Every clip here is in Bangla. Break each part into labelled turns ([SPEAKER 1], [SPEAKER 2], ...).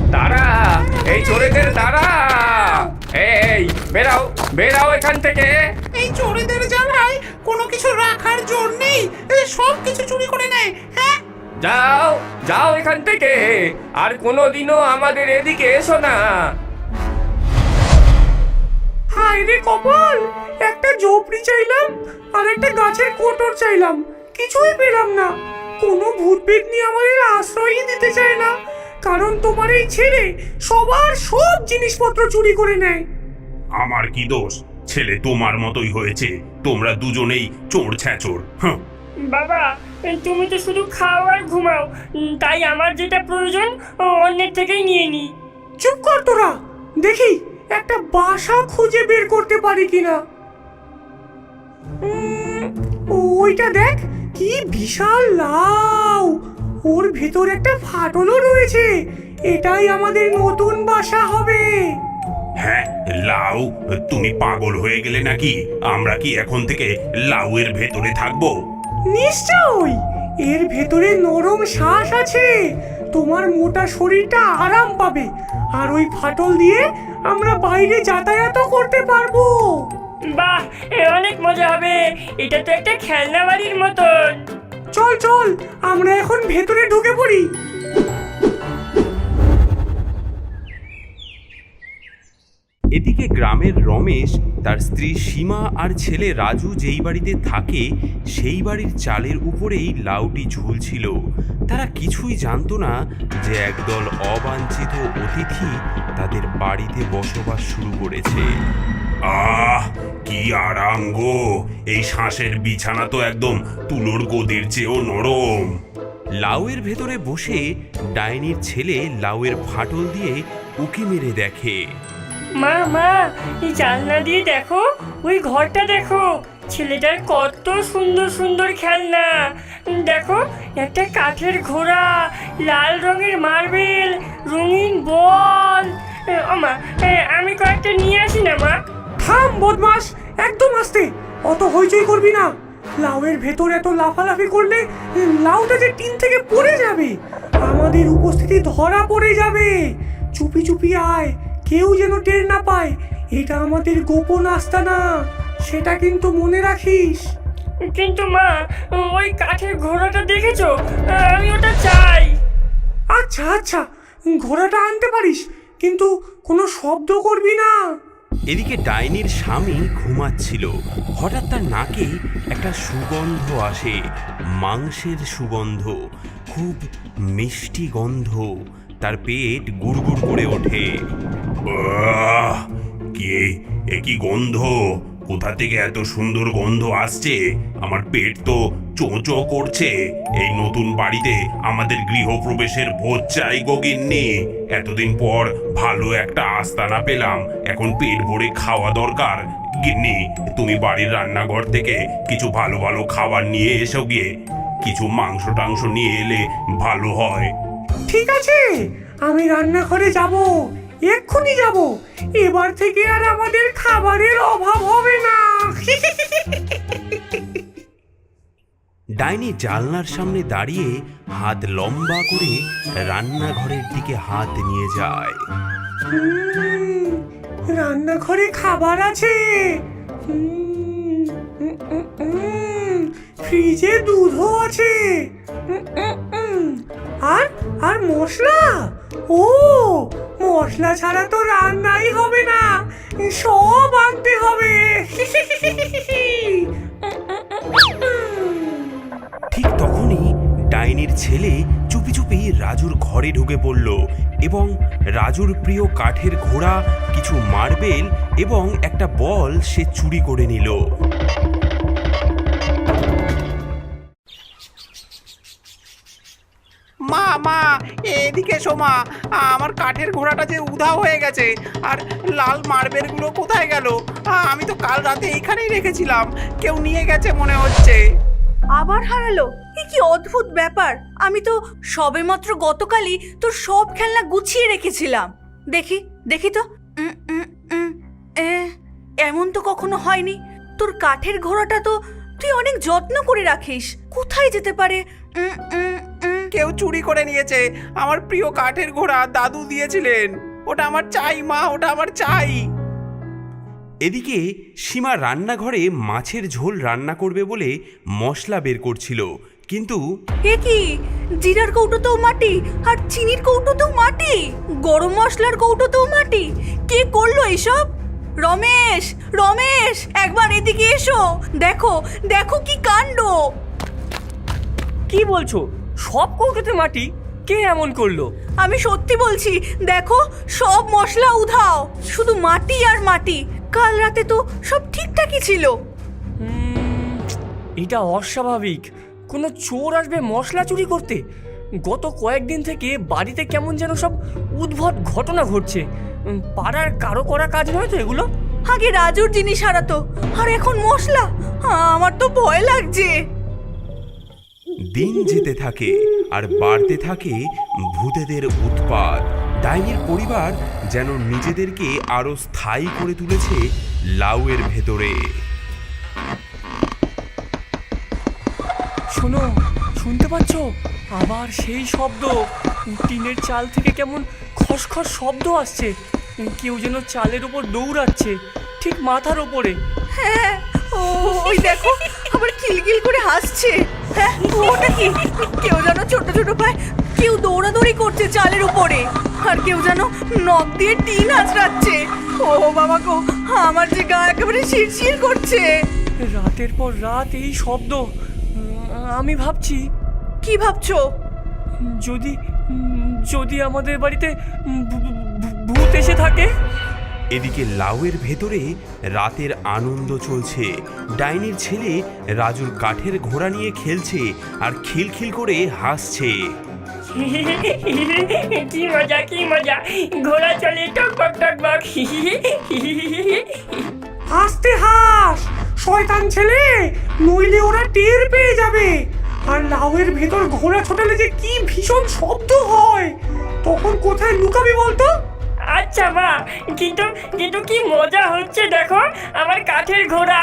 [SPEAKER 1] দাঁড়া, এই চোরেদের দাঁড়া। এই বেরাও, বেরাও এখান থেকে।
[SPEAKER 2] এই চোরেদের জ্বালায় কোনো কিছু রাখার জোর নেই, সব কিছু চুরি করে নেয়। হ্যাঁ,
[SPEAKER 1] যাও, যাও এখান থেকে, আর কোনোদিনও আমাদের এদিকে এসো না।
[SPEAKER 3] হায় রে কপাল, একটা ঝোপড়ি চাইলাম আর একটা গাছের কোটর চাইলাম, কিছুই পেলাম না। কোনো ভূত পেতনি আমাদের আশ্রয়ই দিতে চায় না, কারণ তোমার এই ছেলে সবার সব জিনিসপত্র চুরি করে নেয়।
[SPEAKER 4] আমার কি দোষ? ছেলে তোমার মতোই হয়েছে, তোমরা দুজনেই চোর ছ্যাচোর।
[SPEAKER 5] বাবা, তুমি তো শুধু খাও আর ঘুমাও, তাই আমার যেটা প্রয়োজন অন্যের থেকেই নিয়ে নি।
[SPEAKER 3] চুপ কর তোরা, দেখি একটা বাসা খুঁজে বের করতে পারি কিনা। ওইটা দেখ, কি বিশাল লাউ, ওর ভেতর একটা ফাটলও রয়েছে। এটাই আমাদের নতুন বাসা হবে।
[SPEAKER 4] হ্যাঁ, লাউ, তুমি পাগল হয়ে গেলে নাকি? আমরা কি এখন থেকে লাউয়ের ভেতরে থাকবো?
[SPEAKER 3] নিশ্চয়ই, এর ভেতরে নরম শ্বাস আছে, তোমার মোটা শরীরটা আরাম পাবে, আর ওই ফাটল দিয়ে আমরা বাইরে যাতায়াতও করতে পারবো।
[SPEAKER 5] বাহ, অনেক মজা হবে, এটা তো একটা খেলনা বাড়ির মতন।
[SPEAKER 3] চল চল, আমরা এখন ভেতরে ঢুকে পড়ি।
[SPEAKER 6] এদিকে গ্রামের রমেশ, তার স্ত্রী সীমা আর ছেলে রাজু যেই বাড়িতে থাকে সেই বাড়ির চালের উপরেই লাউটি ঝুলছিল। তারা কিছুই জানতো না যে একদল অবাঞ্ছিত অতিথি তাদের বাড়িতে বসবাস শুরু করেছে।
[SPEAKER 4] আহ, কি আরাম গো! এই শ্বাসের বিছানা তো একদম তুলোর গদির চেয়েও নরম।
[SPEAKER 6] লাউয়ের ভেতরে বসে ডাইনির ছেলে লাউয়ের ফাটল দিয়ে উকি মেরে দেখে।
[SPEAKER 5] মা মা, এই জানলা দিয়ে দেখো, ওই ঘরটা দেখো, ছেলেটার কত সুন্দর সুন্দর খেলনা। দেখো, একটা কাঠের ঘোড়া, লাল রঙের মার্বেল, রঙিন বল। মা, আমি কয়েকটা নিয়ে আসি না মা?
[SPEAKER 3] থাম বদমাস, একদম আস্তে, অত হইচই করবি না। লাউয়ের ভেতর এত লাফালাফি করলে লাউটা যে টিন থেকে পড়ে যাবে, আমাদের উপস্থিতি ধরা পড়ে যাবে। চুপি চুপি আয়, কেউ যেন টের না পায়। এটা আমাদের গোপন আস্তানা, সেটা কিন্তু মনে রাখিস।
[SPEAKER 5] কিন্তু মা, ওই কাঠের ঘোড়াটা দেখেছো? আমি ওটা চাই।
[SPEAKER 3] আচ্ছা আচ্ছা, ঘোড়াটা আনতে পারিস, কিন্তু কোনো শব্দ করবি না।
[SPEAKER 6] এদিকে ডাইনির স্বামী ঘুমাচ্ছিল, হঠাৎ তার নাকে একটা সুগন্ধ আসে, মাংসের সুগন্ধ, খুব মিষ্টি গন্ধ। তার পেট গুড়গুড় করে ওঠে।
[SPEAKER 4] আহ, এ কি গন্ধ? কোথা থেকে এত সুন্দর গন্ধ আসছে? আমার পেট তো চোঁচো করছে। এই নতুন বাড়িতে আমাদের গৃহপ্রবেশের ভোজ চাই গো গিন্নি। এতদিন পর ভালো একটা আস্তানা পেলাম, এখন পেট ভরে খাওয়া দরকার। গিন্নি, তুমি বাড়ির রান্নাঘর থেকে কিছু ভালো ভালো খাবার নিয়ে এসো গিয়ে। কিছু মাংস টাংস নিয়ে এলে ভালো হয়।
[SPEAKER 3] ঠিক আছে, আমি রান্নাঘরে যাব, এক্ষুনি যাব। এবার থেকে আর আমাদের খাবারের অভাব হবে না।
[SPEAKER 6] ডাইনি জানলার সামনে দাঁড়িয়ে হাত লম্বা করে রান্নাঘরের দিকে হাত নিয়ে যায়।
[SPEAKER 3] রান্নাঘরে খাবার আছে, ফ্রিজে দুধও আছে, আর আর মশলা, ও মশলা ছাড়া তো রান্নাই হবে না, সব আনতে হবে।
[SPEAKER 6] ঠিক তখনই ডাইনির ছেলে চুপি চুপি রাজুর ঘরে ঢুকে পড়ল এবং রাজুর প্রিয় কাঠের ঘোড়া, কিছু মার্বেল এবং একটা বল সে চুরি করে নিল।
[SPEAKER 2] মা মা, এদিকে এসো মা, আমার কাঠের ঘোড়াটা যে উধাও হয়ে গেছে, আর লাল মার্বেলগুলো কোথায় গেল? আমি তো কাল রাতে এইখানেই রেখেছিলাম, কেউ নিয়ে গেছে মনে হচ্ছে।
[SPEAKER 7] আবার হারালো? এ কি অদ্ভুত ব্যাপার! আমি তো সবেমাত্র গতকালই তোর সব খেলনা গুছিয়ে রেখেছিলাম। দেখি দেখি তো, এমন তো কখনো হয়নি। তোর কাঠের ঘোড়াটা তো তুই অনেক যত্ন করে রাখিস, কোথায় যেতে পারে?
[SPEAKER 2] কেউ চুরি করে নিয়েছে আমার প্রিয় কাঠের ঘোড়া, দাদু দিয়েছিলেন। ওটা আমার চাই মা, ওটা আমার চাই।
[SPEAKER 6] এদিকে সীমা রান্নাঘরে মাছের ঝোল রান্না করবে বলে মশলা বের করছিল, কিন্তু
[SPEAKER 7] এ কি, জিরার কৌটোতেও মাটি আর চিনির কৌটোতেও মাটি, গরম মশলার কৌটোতেও মাটি। কে করলো এসব? রমেশ, রমেশ, একবার এদিকে এসো। দেখো দেখো কি কাণ্ড।
[SPEAKER 5] কি বলছো? সব কৌটোতে মাটি? কে এমন করলো?
[SPEAKER 7] আমি সত্যি বলছি, দেখো সব মশলা উধাও, শুধু মাটি আর মাটি। কাল রাতে তো সব ঠিকঠাকই ছিল।
[SPEAKER 5] এটা অস্বাভাবিক। কোনো চোর আসবে মশলা চুরি করতে? গত কয়েকদিন থেকে বাড়িতে কেমন যেন সব উদ্ভট ঘটনা ঘটছে। পাড়ার কারো করা কাজ নয় তো এগুলো?
[SPEAKER 7] আগে রাজুর জিনিস হারাতো, আর এখন মশলা। আমার তো ভয় লাগছে।
[SPEAKER 6] দিন যেতে থাকে আর বাড়তে থাকে ভূতেদের উৎপাত। ডাইনির পরিবার যেন নিজেদেরকে আরো স্থায়ী করে তুলেছে লাউয়ের ভেতরে।
[SPEAKER 5] শোনো, শুনতে পাচ্ছ? আবার সেই শব্দ। টিনের চাল থেকে কেমন খসখস শব্দ আসছে। কেউ যেন চালের উপর দৌড়াচ্ছে, ঠিক মাথার ওপরে।
[SPEAKER 7] হ্যাঁ, ওই দেখো আবার কিলকিল করে হাসছে। হ্যাঁ, ওটা কি? কেউ যেন ছোট ছোট পায়ে কেউ দৌড়াদৌড়ি করছে চালের উপরে, আর কেউ যেন নখ দিয়ে টিন আঁচড়াচ্ছে। ও বাবা গো, আমার যে গা একেবারে শিরশির করছে।
[SPEAKER 5] রাতের পর রাত এই শব্দ। আমি ভাবছি।
[SPEAKER 7] কি ভাবছো?
[SPEAKER 5] যদি যদি আমাদের বাড়িতে ভূত এসে থাকে।
[SPEAKER 6] এদিকে লাউয়ের ভেতরে রাতের আনন্দ চলছে। ডাইনির ছেলে রাজুর কাঠের ঘোড়া নিয়ে খেলছে আর খিলখিল করে হাসছে।
[SPEAKER 5] কি মজা, কি মজা! ঘোড়া চলে টকবক টকবক।
[SPEAKER 3] আস্তে হাস শয়তান ছেলে, নইলে ওরা টের পেয়ে যাবে। আর লাউয়ের ভেতর ঘোড়া ছোটালে যে কি ভীষণ শব্দ হয়, তখন কোথায় লুকাবি বলতো?
[SPEAKER 5] আচ্ছা মা, কিন্তু কিন্তু কি মজা হচ্ছে দেখো, আমার কাঠের ঘোড়া।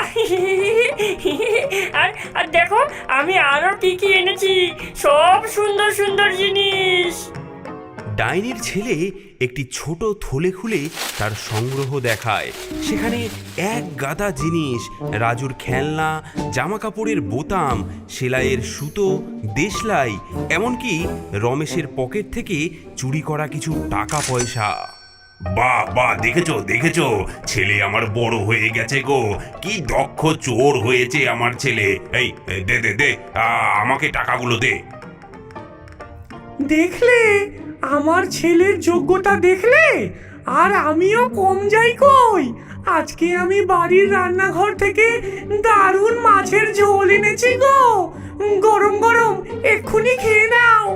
[SPEAKER 5] আর আর দেখো আমি আরো কি কি এনেছি, সব সুন্দর সুন্দর জিনিস।
[SPEAKER 6] ডাইনির ছেলে একটি ছোট থলে খুলে তার সংগ্রহ দেখায়। সেখানে এক গাদা জিনিস, রাজুর খেলনা, জামা কাপড়ের বোতাম, সেলাইয়ের সুতো, দেশলাই, এমনকি রমেশের পকেট থেকে চুরি করা কিছু টাকা পয়সা।
[SPEAKER 4] বাহ বাহ, দেখেছো দেখেছো, ছেলে আমার বড় হয়ে গেছে গো। কি দক্ষ চোর হয়েছে আমার ছেলে। এই দে দে দে, আমাকে টাকাগুলো দে।
[SPEAKER 3] দেখলে আমার ছেলের যোগ্যতা, দেখলে? আর আমিও কম যাই কই। আজকে আমি বাড়ির রান্নাঘর থেকে দারুণ মাছের ঝোল এনেছি গো, গরম গরম, এক্ষুনি খেয়ে নাও।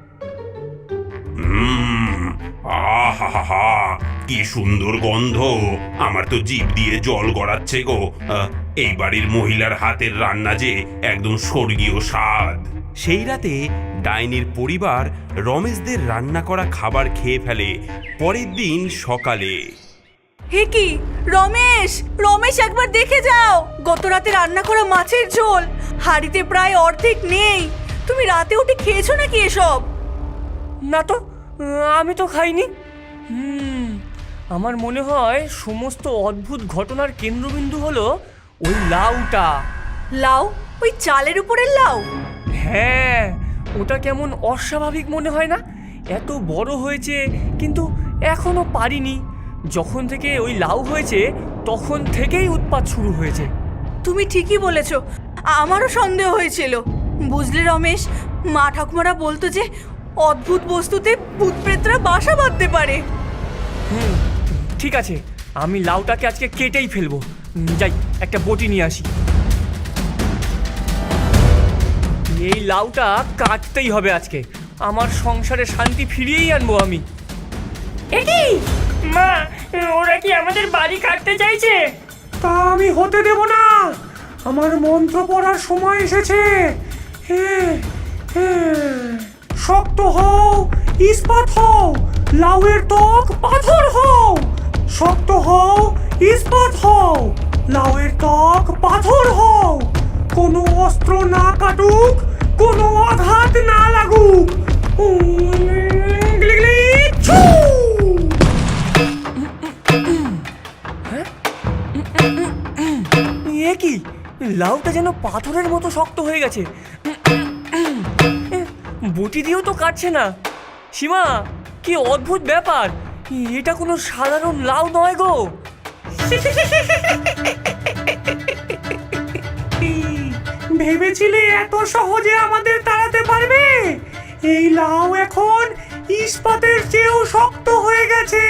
[SPEAKER 4] আহা, কি সুন্দর গন্ধ! আমার তো জিভ দিয়ে জল গড়াচ্ছে গো। এই বাড়ির মহিলার হাতের রান্না যে একদম স্বর্গীয় স্বাদ।
[SPEAKER 6] সেই রাতে ডাইনির পরিবার রমেশদের রান্না করা খাবার খেয়ে ফেলে। পরের দিন সকালে,
[SPEAKER 7] হে কি রমেশ, রমেশ একবার দেখে যাও, গত রাতে রান্না করা মাছের ঝোল হাঁড়িতে প্রায় অর্ধেক নেই। তুমি রাতে উঠে খেয়েছো নাকি এসব?
[SPEAKER 5] না তো, আমি তো খাইনি। আমার মনে হয় সমস্ত অদ্ভুত ঘটনার কেন্দ্রবিন্দু হলো ওই লাউটা।
[SPEAKER 7] লাউ? ওই চালের উপরের লাউ?
[SPEAKER 5] হ্যাঁ, ওটা কেমন অস্বাভাবিক মনে হয় না? এত বড় হয়েছে কিন্তু এখনো পারিনি। যখন থেকে ওই লাউ হয়েছে তখন থেকেই উৎপাত শুরু হয়েছে।
[SPEAKER 7] তুমি ঠিকই বলেছো, আমারও সন্দেহ হয়েছিল। বুঝলে রমেশ, মা ঠাকুমারা বলতো যে অদ্ভুত বস্তুতে ভূত প্রেতরা বাসা বাঁধতে পারে।
[SPEAKER 5] ঠিক আছে, আমি লাউটাকে আজকে কেটেই ফেলবো। যাই, একটা বটি নিয়ে আসি। এই লাউটা কাটতেই হবে আজকে। আমার সংসারে শান্তি ফিরিয়েই আনবো আমি। একি মা, ওরা কি আমাদের বাড়ি কাটতে চাইছে?
[SPEAKER 3] তা আমি হতে দেব না। আমার মন্ত্র পড়ার সময় এসেছে। হ্যাঁ হ্যাঁ, শক্ত হও, ইস্পাত হও, লাউয়ের ত্বক পাথর হও। শক্ত হও, ইস্পাত হও, লাউয়ের ত্বক পাথর হও। কোনো অস্ত্র না কাটুক, কোনো আঘাত না লাগুক, গিলি গিলি ছু!
[SPEAKER 8] এ কি লাউটা যেন পাথরের মতো শক্ত হয়ে গেছে। বটি দিয়েও তো কাটছে না। সীমা, কি অদ্ভুত ব্যাপার! এটা কোনো সাধারণ লাউ নয় গো।
[SPEAKER 3] ভেবেছিলে এত সহজে আমাদের তাড়াতে পারবে? এই লাউ এখন ইস্পাতের চেয়েও শক্ত হয়ে গেছে।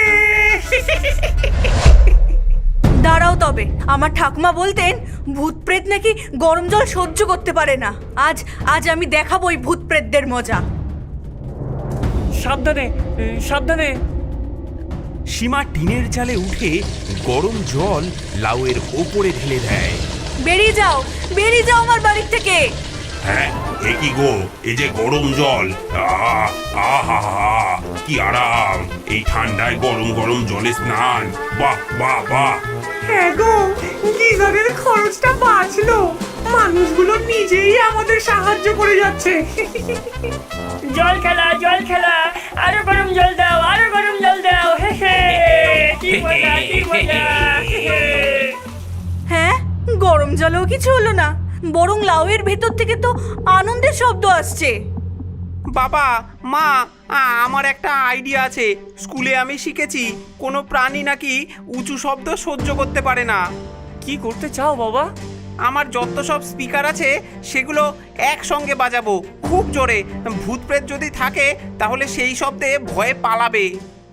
[SPEAKER 7] দাঁড়াও তবে, আমার ঠাকুমা বলতেন ভূত প্রেত নাকি গরম জল সহ্য করতে পারে না। আজ আজ আমি দেখাবো ওই ভূত প্রেতদের মজা।
[SPEAKER 8] সাবধানে সাবধানে।
[SPEAKER 6] সীমা টিনের চালে উঠে গরম জল লাউয়ের ওপরে ঢেলে দেয়।
[SPEAKER 7] বেরিয়ে যাও আমার বাড়ির থেকে।
[SPEAKER 4] হ্যাঁ, এ কি গো, এই যে গরম জল, আহা, কি আরাম! এই ঠান্ডায় গরম গরম জলে স্নান, বাহ বাহ বাহ!
[SPEAKER 3] হ্যাঁ গো, গিজারের খরচটা বাঁচলো। মানুষগুলো নিজেই আমাদের সাহায্য করে যাচ্ছে।
[SPEAKER 5] জল খেলা, আরো গরম জল দাও, আরো গরম জল দাও। হে হে, কি মজা, কি মজা। হে হে।
[SPEAKER 7] হ্যাঁ, গরম জলেও কিছু হলো না, বরং লাউয়ের ভেতর থেকে তো আনন্দের শব্দ আসছে।
[SPEAKER 2] বাবা, মা, আমার একটা আইডিয়া আছে। স্কুলে আমি শিখেছি কোনো প্রাণী নাকি উঁচু শব্দ সহ্য করতে পারে না।
[SPEAKER 8] কি করতে চাও বাবা?
[SPEAKER 2] আমার যত সব স্পিকার আছে সেগুলো একসঙ্গে বাজাবো খুব জোরে। ভূত প্রেত যদি থাকে তাহলে সেই শব্দে ভয়ে পালাবে।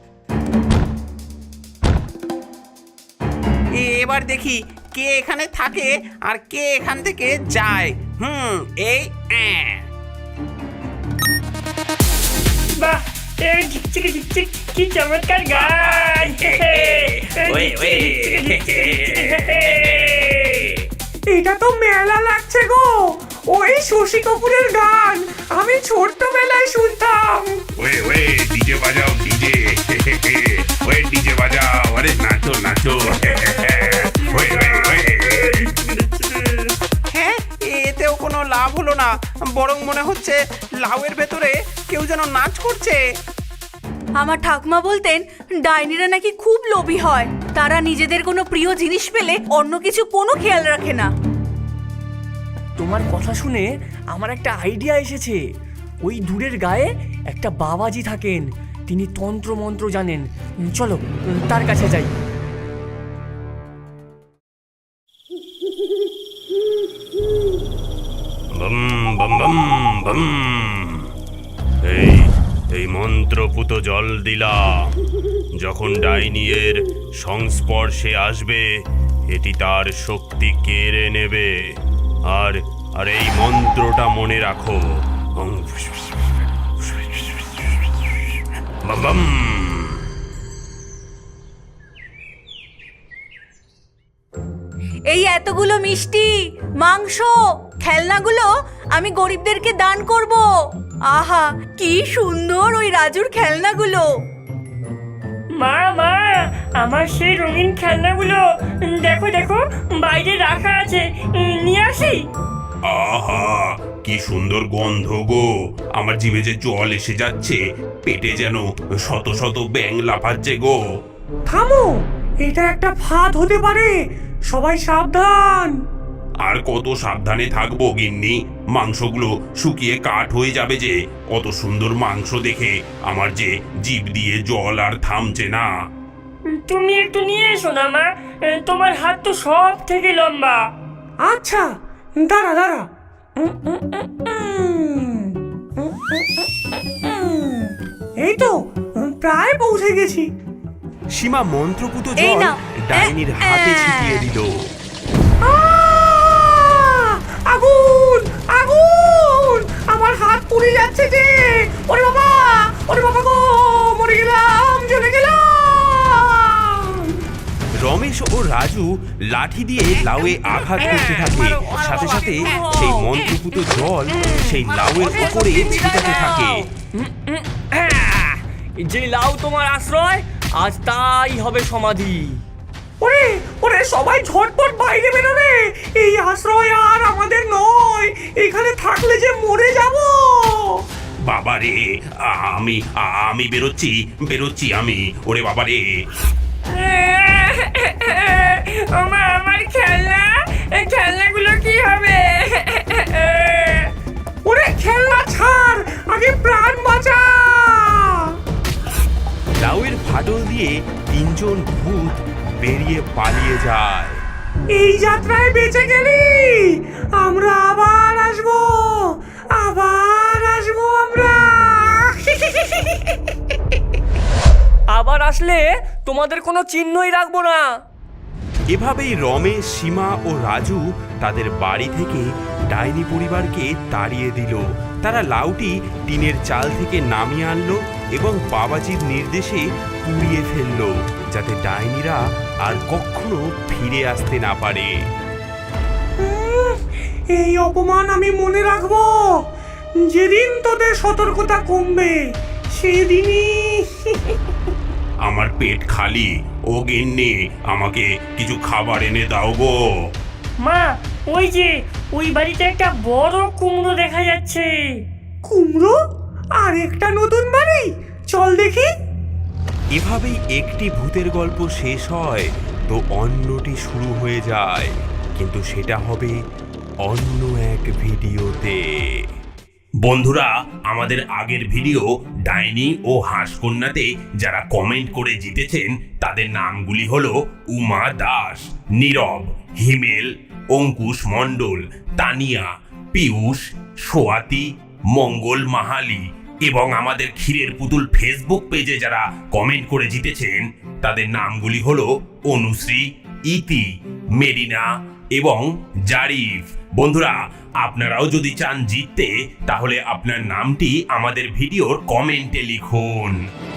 [SPEAKER 2] এবার দেখি কে এখানে থাকে আর কে এখান থেকে যায়। এই
[SPEAKER 5] বাহ, এই ঝিকঝিক ঝিকঝিক, কি চমৎকার গান। হে হে, এই ঝিকঝিক ঝিকঝিক, হে হে।
[SPEAKER 3] এটা তো মেলা লাগছে গো। ওই শশী কাপুরের গান আমি ছোট্টবেলায় শুনতাম।
[SPEAKER 4] ওয়ে ডিজে বাজাও, ডিজে! ওয়ে ডিজে বাজাও, আরে নাচো নাচো! ওয়ে!
[SPEAKER 2] হ্যাঁ, এতেও কোনো লাভ হলো না, বরং মনে হচ্ছে লাউয়ের ভেতরে কেউ যেন নাচ করছে।
[SPEAKER 7] আমার ঠাকুমা বলতেন ডাইনিরা নাকি খুব লোভী হয়। তারা নিজেদের কোনো প্রিয় জিনিস পেলে অন্য কিছু কোনো খেয়াল রাখে না।
[SPEAKER 8] তোমার কথা শুনে আমার একটা আইডিয়া এসেছে। ওই দূরের গায়ে একটা বাবাজি থাকেন, তিনি তন্ত্র মন্ত্র জানেন। চলো তার কাছে যাই।
[SPEAKER 4] বম বম বম বম! এই মন্ত্রপুত জল দিলা, যখন ডাইনিয়ের সংস্পর্শে আসবে এটি তার শক্তি কেড়ে নেবে। আর এই মন্ত্রটা মনে রাখো, বম বম!
[SPEAKER 7] এই এতগুলো মিষ্টি, মাংস, খেলনাগুলো আমি গরিবদেরকে দান করব। আহা, কি সুন্দর ওই রাজুর খেলনাগুলো।
[SPEAKER 5] মা, আমার সেই রঙিন খেলনাগুলো দেখো দেখো, বাইরে রাখা আছে, নিয়ে আসি।
[SPEAKER 4] আহা, কি সুন্দর গন্ধ গো! আমার জিভে যে জল এসে যাচ্ছে, পেটে যেন শত শত ব্যাঙ লাফাচ্ছে গো।
[SPEAKER 3] থামো, এটা একটা ফাঁদ হতে পারে। সবাই সাবধান।
[SPEAKER 4] আর কত সাবধানে থাকবো গিন্নি? মাংসগুলো শুকিয়ে কাঠ হয়ে যাবে যে। অত সুন্দর মাংস দেখে আমার যে জিভ দিয়ে জল আর থামছে না।
[SPEAKER 5] তুমি একটু নিয়ে এসো না মা, তোমার হাত তো সব থেকে লম্বা।
[SPEAKER 3] আচ্ছা, দাঁড়া। এই তো প্রায় পৌঁছে গেছি।
[SPEAKER 6] সীমা মন্ত্রপুত
[SPEAKER 7] এই
[SPEAKER 6] জল
[SPEAKER 7] নাও।
[SPEAKER 6] ডাইনির হাতে ছিটিয়ে দিল।
[SPEAKER 3] আগুন আগুন! আমার হাত পুড়ে যাচ্ছে যে। ওরে বাবা গো, মরে গেলাম, জ্বলে গেলাম।
[SPEAKER 6] রমেশ ও রাজু লাঠি দিয়ে লাউয়ে আঘাত করতে থাকে। সাথে সাথে সেই মন্ত্রপুত জল সেই লাউয়ের উপরে ছিটাতে থাকে।
[SPEAKER 8] যে লাউ তোমার আশ্রয়, আজ তাই হবে সমাধি।
[SPEAKER 3] ওরে সবাই ঝটপট বাইরে বেরো রে। এই আশ্রয় আর আমাদের নয়, এখানে থাকলে যে মরে যাব।
[SPEAKER 4] বাবা রে, আমি বেরোচ্ছি আমি, ওরে বাবা রে।
[SPEAKER 5] ওমা, আমার খেলনা, এই খেলনাগুলো কি হবে?
[SPEAKER 3] ওরে খেলনা ছাড়, আগে প্রাণ বাঁচা।
[SPEAKER 6] লাউয়ের ফাটল দিয়ে তিনজন ভূত বেরিয়ে পালিয়ে যায়।
[SPEAKER 3] এই যাত্রায় বেঁচে গেলি, আমরা আবার আসবো আমরা।
[SPEAKER 8] আবার আসলে তোমাদের কোনো চিহ্নই রাখবো না।
[SPEAKER 6] এভাবেই রমেশ, সীমা ও রাজু তাদের বাড়ি থেকে ডাইনি পরিবারকে তাড়িয়ে দিল। তারা লাউটি টিনের চাল থেকে নামিয়ে আনলো এবং বাবাজির নির্দেশে পুড়িয়ে ফেললো, যাতে ডাইনিরা আর কখনো ফিরে আসতে না পারে।
[SPEAKER 3] এই অপমান আমি মনে রাখবো। যেদিন তোদের সতর্কতা কমবে সেদিনই।
[SPEAKER 4] আমার পেট খালি, ও গিন্নি আমাকে কিছু খাবার এনে দাও গো।
[SPEAKER 5] মা, ওই যে ওই বাড়িতে একটা বড় কুমড়ো দেখা যাচ্ছে।
[SPEAKER 3] কুমড়ো? আর একটা নতুন বাড়ি, চল দেখি।
[SPEAKER 6] এভাবেই একটি ভূতের গল্প শেষ হয় তো অন্যটি শুরু হয়ে যায়, কিন্তু সেটা হবে অন্য এক ভিডিওতে।
[SPEAKER 4] বন্ধুরা, আমাদের আগের ভিডিও ডাইনি ও হাঁসকন্যাতে যারা কমেন্ট করে জিতেছেন তাদের নামগুলি হলো উমা দাস, নীরব, হিমেল, অঙ্কুশ মণ্ডল, তানিয়া, পীয়ূষ, সোয়াতি, মঙ্গল মাহালি এবং আমাদের ক্ষীরের পুতুল ফেসবুক পেজে যারা কমেন্ট করে জিতেছেন তাদের নামগুলি হলো অনুশ্রী, ইতি, মেরিনা এবং জারিফ। বন্ধুরা, আপনারাও যদি চান জিততে, তাহলে আপনার নামটি আমাদের ভিডিওর কমেন্টে লিখুন।